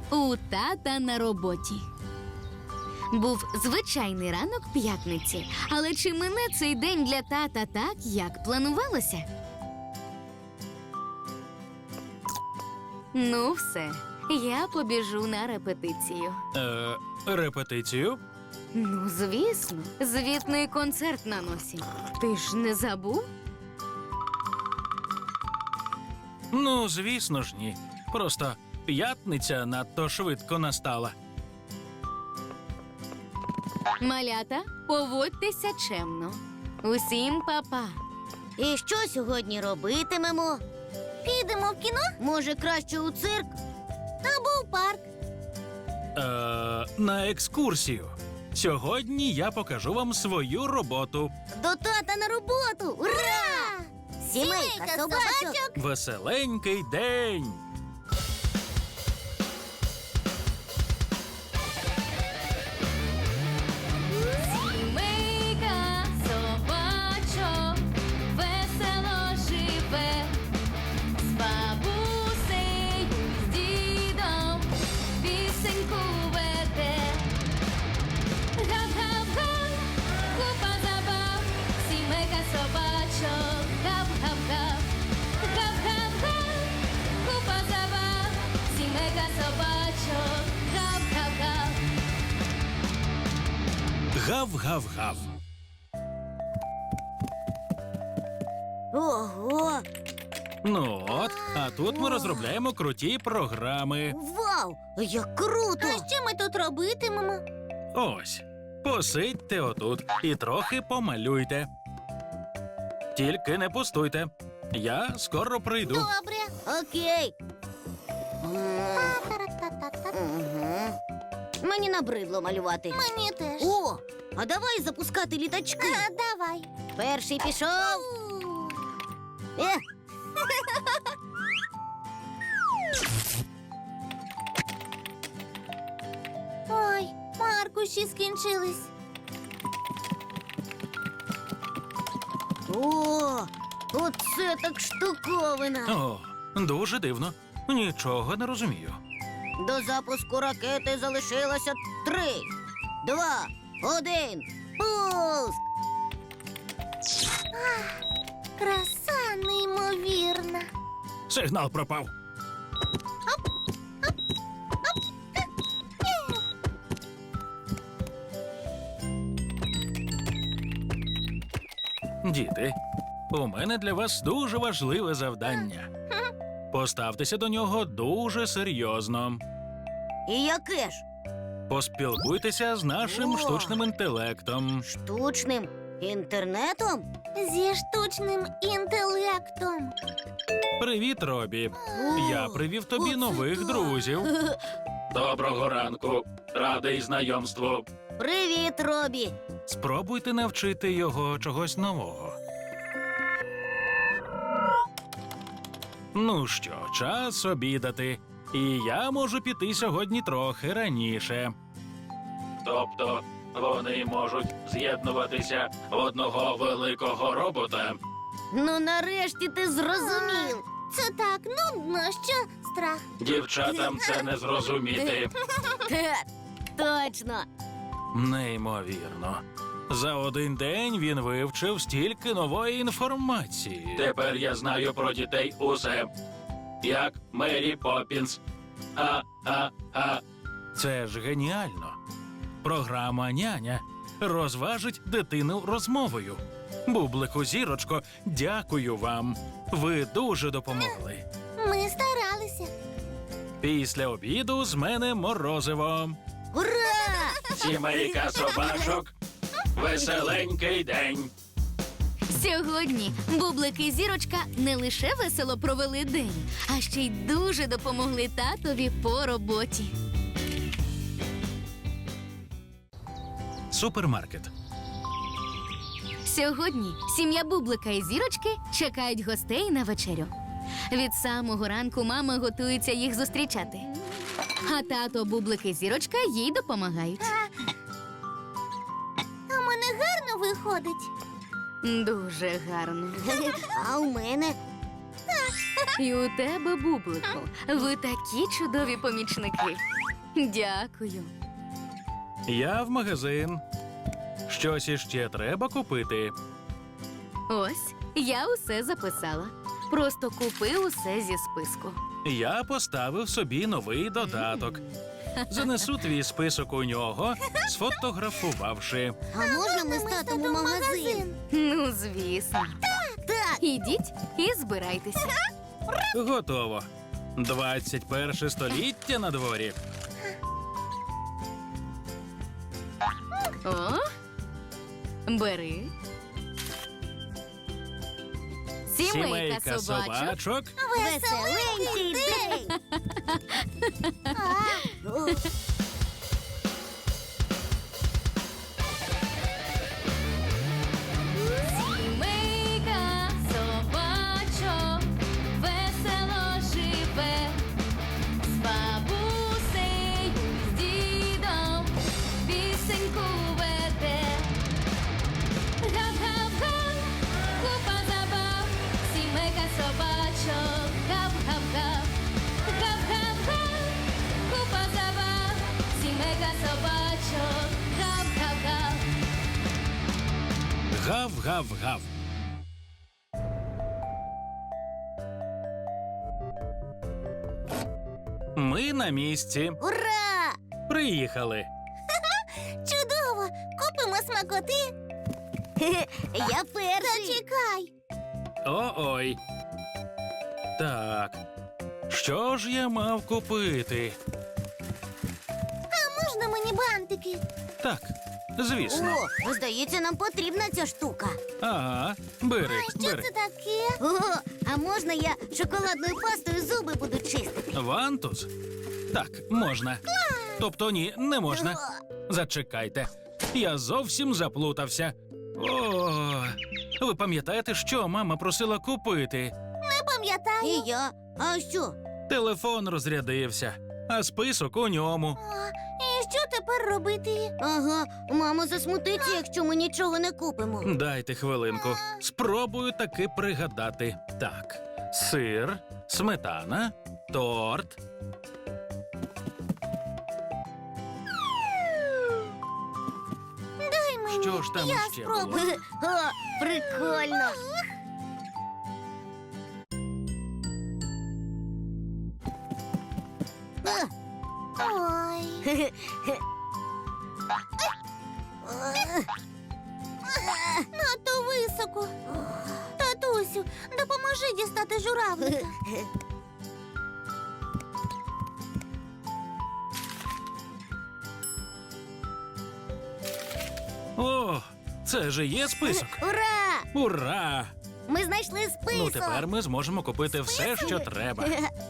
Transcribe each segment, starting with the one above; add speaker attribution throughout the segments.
Speaker 1: У тата на роботі. Був звичайний ранок п'ятниці, але чи мине цей день для тата так, як планувалося? Ну все, я побіжу на репетицію.
Speaker 2: Репетицію?
Speaker 1: Ну, звісно, звітний концерт на носі. Ти ж не забув?
Speaker 2: Ну, звісно ж, ні. Просто п'ятниця надто швидко настала.
Speaker 1: Малята, поводьтеся чемно. Усім па-па.
Speaker 3: І що сьогодні робитимемо? Підемо в кіно? Може, краще у цирк? Або в парк?
Speaker 2: На екскурсію. Сьогодні я покажу вам свою роботу.
Speaker 3: До тата на роботу! Ура! Сімейка собачок!
Speaker 2: Веселенький день!
Speaker 1: Сімейка собачок весело живе, з бабусею, з дідом пісеньку веде. Гап-гап-га, купа забав, сімейка собачок, гап-гап-га. Гап-гап-га, купа забав, сімейка собачок, гап-гап-га.
Speaker 2: Гав-гав-гав.
Speaker 3: Ого!
Speaker 2: Ну от, а тут ми розробляємо круті програми.
Speaker 3: Вау! Як круто! А що ми тут робитимемо?
Speaker 2: Ось, посидьте отут і трохи помалюйте. Тільки не пустуйте. Я скоро прийду.
Speaker 3: Добре. Окей. Мені набридло малювати. Мені теж. О, а давай запускати літачки. Давай. Перший пішов. Ой, аркуші скінчились. О, оце так штуковина.
Speaker 2: О, дуже дивно. Нічого не розумію.
Speaker 3: До запуску ракети залишилося 3, 2, 1. Пуск! Краса неймовірна.
Speaker 2: Сигнал пропав. Діти, у мене для вас дуже важливе завдання. Поставтеся до нього дуже серйозно.
Speaker 3: І яке ж?
Speaker 2: Поспілкуйтеся з нашим
Speaker 3: О!
Speaker 2: штучним інтелектом.
Speaker 3: Штучним інтернетом? Зі штучним інтелектом.
Speaker 2: Привіт, Робі.
Speaker 3: О,
Speaker 2: Я привів тобі
Speaker 3: оце
Speaker 2: нових
Speaker 3: так.
Speaker 2: друзів. Доброго ранку. Радий знайомству.
Speaker 3: Привіт, Робі.
Speaker 2: Спробуйте навчити його чогось нового. Ну що, час обідати. І я можу піти сьогодні трохи раніше. Тобто вони можуть з'єднуватися в одного великого робота?
Speaker 3: Ну, нарешті ти зрозумів. Це так нудно, що страх.
Speaker 2: Дівчатам це не зрозуміти.
Speaker 3: Точно.
Speaker 2: Неймовірно. За один день він вивчив стільки нової інформації. Тепер я знаю про дітей усе. Як Мері Поппінс. Це ж геніально. Програма «Няня» розважить дитину розмовою. Бублику, зірочко, дякую вам. Ви дуже допомогли.
Speaker 3: Ми старалися.
Speaker 2: Після обіду з мене морозиво.
Speaker 3: Ура!
Speaker 2: Сімейка собачок. Веселенький день.
Speaker 1: Сьогодні Бублик і Зірочка не лише весело провели день, а ще й дуже допомогли татові по роботі.
Speaker 2: Супермаркет.
Speaker 1: Сьогодні сім'я Бублика і Зірочки чекають гостей на вечерю. Від самого ранку мама готується їх зустрічати. А тато, Бублик і Зірочка їй допомагають.
Speaker 3: А в мене гарно виходить.
Speaker 1: Дуже гарно.
Speaker 3: А у мене?
Speaker 1: І у тебе, Бублику. Ви такі чудові помічники. Дякую.
Speaker 2: Я в магазин. Щось іще треба купити.
Speaker 1: Ось, я усе записала. Просто купи усе зі списку.
Speaker 2: Я поставив собі новий додаток. Занесу твій список у нього, сфотографувавши.
Speaker 3: А можна ми з татом у магазин?
Speaker 1: Ну, звісно.
Speaker 3: Так.
Speaker 1: Ідіть і збирайтеся.
Speaker 2: Готово. 21 століття на дворі.
Speaker 1: О, бери. Сімейка собачок.
Speaker 2: собачок.
Speaker 3: Веселенький день.
Speaker 1: Сімейка собачок весело живе, з бабусею, з дідом пісеньку веде. Гав-гав-га, купа забав, сімейка собачок, гав-гав-гав. Гав-гав-га, купа забав, сімейка собачок, гав-гав-гав.
Speaker 2: Гав-гав-гав. Ми на місці.
Speaker 3: Ура!
Speaker 2: Приїхали.
Speaker 3: Чудово! Купимо смакоти. Я перший. Зачекай.
Speaker 2: О-ой. Так. Що ж я мав купити?
Speaker 3: Можна мені бантики?
Speaker 2: Так, звісно.
Speaker 3: О, здається, нам потрібна ця штука.
Speaker 2: Ага, бери, бери.
Speaker 3: таке? О, а можна я шоколадною пастою зуби буду чистити?
Speaker 2: Вантус? Так, можна. Тобто ні, не можна. Зачекайте. Я зовсім заплутався. О, ви пам'ятаєте, що мама просила купити?
Speaker 3: Не пам'ятаю. І я. А що?
Speaker 2: Телефон розрядився, а список у ньому.
Speaker 3: І що тепер робити? Ага, мама засмутиться, якщо ми нічого не купимо.
Speaker 2: Дайте хвилинку. Спробую таки пригадати. Так, сир, сметана, торт.
Speaker 3: Дай мені.
Speaker 2: Що ж там ще було?
Speaker 3: О, прикольно. Ой. Надто високо. Татусю, допоможи дістати журавлика.
Speaker 2: О, це же є список.
Speaker 3: Ура!
Speaker 2: Ура!
Speaker 3: Ми знайшли список.
Speaker 2: Ну, тепер ми зможемо купити все, що треба.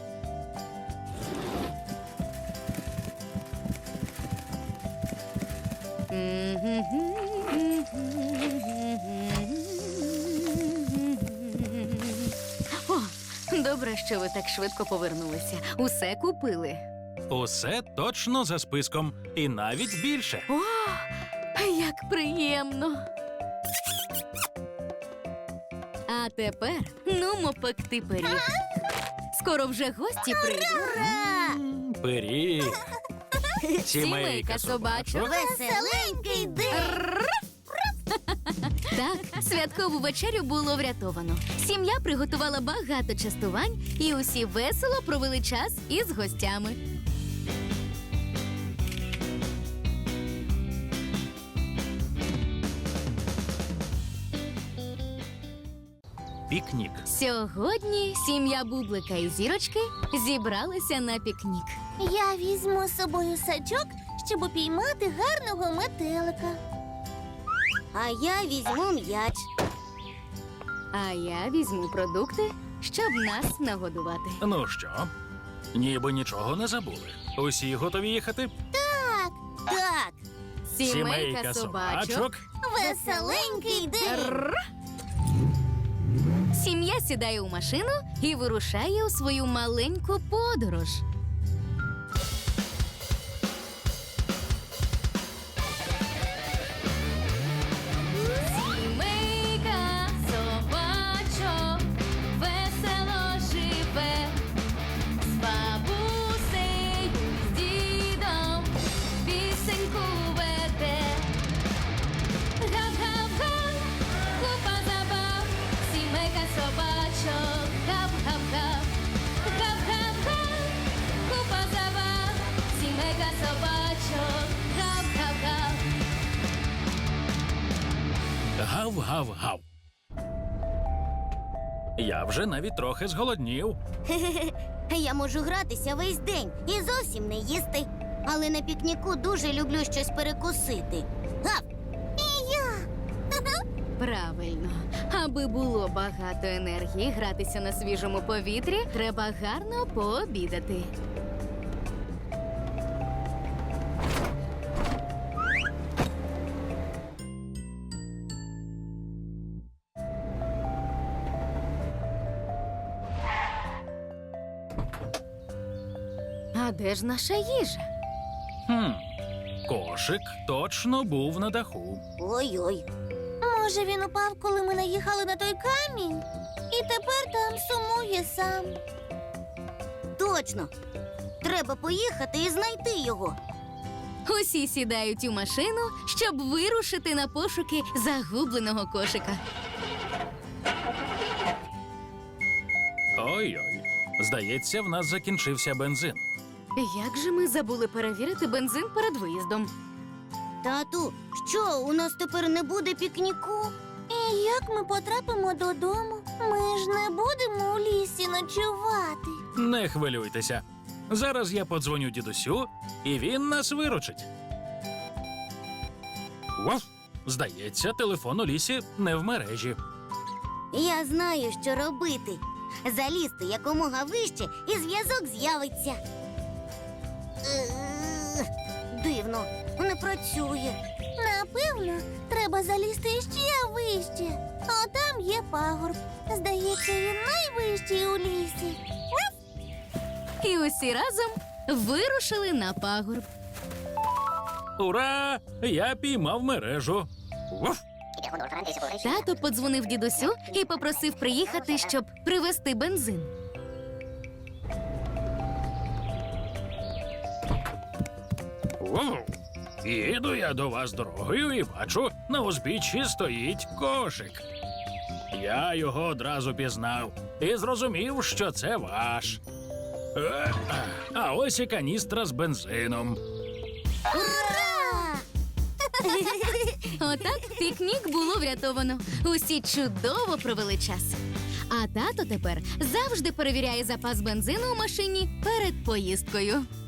Speaker 1: О, добре, що ви так швидко повернулися. Усе купили.
Speaker 2: Усе точно за списком. І навіть більше.
Speaker 1: О, як приємно. А тепер нумо пекти пиріг. Скоро вже гості прийдуть.
Speaker 3: Ура!
Speaker 2: Пиріг.
Speaker 1: Сімейка собачок.
Speaker 3: Веселенький день.
Speaker 1: Так, святкову вечерю було врятовано. Сім'я приготувала багато частувань, і усі весело провели час із гостями.
Speaker 2: Пікнік.
Speaker 1: Сьогодні сім'я Бублика і Зірочки зібралися на пікнік.
Speaker 3: Я візьму з собою сачок, щоб упіймати гарного метелика. А я візьму м'яч.
Speaker 1: А я візьму продукти, щоб нас нагодувати.
Speaker 2: Ну що, ніби нічого не забули. Усі готові їхати?
Speaker 3: Так,
Speaker 1: Сімейка собачок.
Speaker 3: веселенький день.
Speaker 1: Сім'я сідає у машину і вирушає у свою маленьку подорож. Сімейка собачок весело живе,
Speaker 2: Гав-гав-гав. Я вже навіть трохи зголоднів.
Speaker 3: Я можу гратися весь день і зовсім не їсти. Але на пікніку дуже люблю щось перекусити. Гав! І я.
Speaker 1: Правильно. Аби було багато енергії гратися на свіжому повітрі, треба гарно пообідати. А де ж наша їжа?
Speaker 2: Кошик точно був на даху.
Speaker 3: Ой-ой. Може, він упав, коли ми наїхали на той камінь? І тепер там сумує сам. Точно. Треба поїхати і знайти його.
Speaker 1: Усі сідають у машину, щоб вирушити на пошуки загубленого кошика.
Speaker 2: Ой-ой. Здається, в нас закінчився бензин.
Speaker 1: Як же ми забули перевірити бензин перед виїздом?
Speaker 3: Тату, що, у нас тепер не буде пікніку? І як ми потрапимо додому? Ми ж не будемо у лісі ночувати.
Speaker 2: Не хвилюйтеся. Зараз я подзвоню дідусю, і він нас виручить. Вов! Здається, телефон у лісі не в мережі.
Speaker 3: Я знаю, що робити. Залізти якомога вище, і зв'язок з'явиться. Дивно, не працює. Напевно, треба залізти ще вище. А там є пагорб. Здається, він найвищий у лісі.
Speaker 1: І усі разом вирушили на пагорб.
Speaker 2: Ура! Я піймав мережу. Вов!
Speaker 1: Тато подзвонив дідусю і попросив приїхати, щоб привезти бензин.
Speaker 2: Вов! Їду я до вас дорогою і бачу, на узбіччі стоїть кошик. Я його одразу пізнав і зрозумів, що це ваш. А ось і каністра з бензином.
Speaker 3: Ура!
Speaker 1: Отак пікнік було врятовано. Усі чудово провели час. А тато тепер завжди перевіряє запас бензину у машині перед поїздкою.